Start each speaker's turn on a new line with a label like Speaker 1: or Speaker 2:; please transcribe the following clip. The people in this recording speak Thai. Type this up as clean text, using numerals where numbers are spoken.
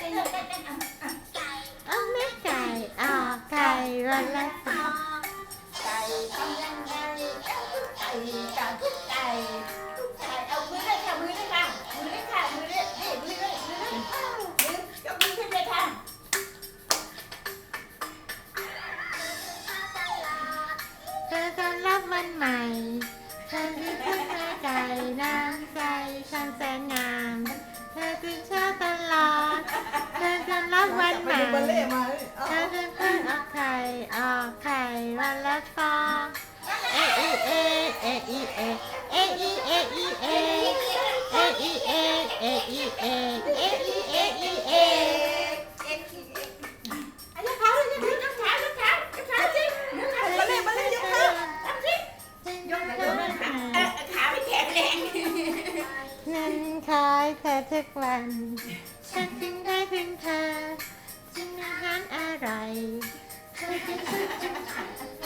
Speaker 1: เอาแม่ไก่ออกไก่วันละฟอง
Speaker 2: ไก่ทำยังไงไก่กับไก่ไก่เอามือเลยค่ะมือเลยค่ะมือเลยค่ะมือเลยนี่มือเลยมือเลยมือยกมือขึ้นเลยค่ะ
Speaker 1: เธอต้อนรับวันใหม่ฉันคือคุณแม่ไก่น้ำใสช่างแสนงามเธอตื่นเช้าตลอดเธอต้อนรับวันใหม่ เธอจะเพิ่งออกไข่วันละฟองเออีเอเออีเอเออีเออีเอเออีเอเออีเอเออีเออีเอ
Speaker 2: อันนี้ขาเลยยกขาสิมาเลยยกขาทำสิยกขาไม่แข็งแรง
Speaker 1: นั้นคอยเธอทุกวันฉันจึงได้ถึงเธอจึงอาหารอร่อยเธอจึง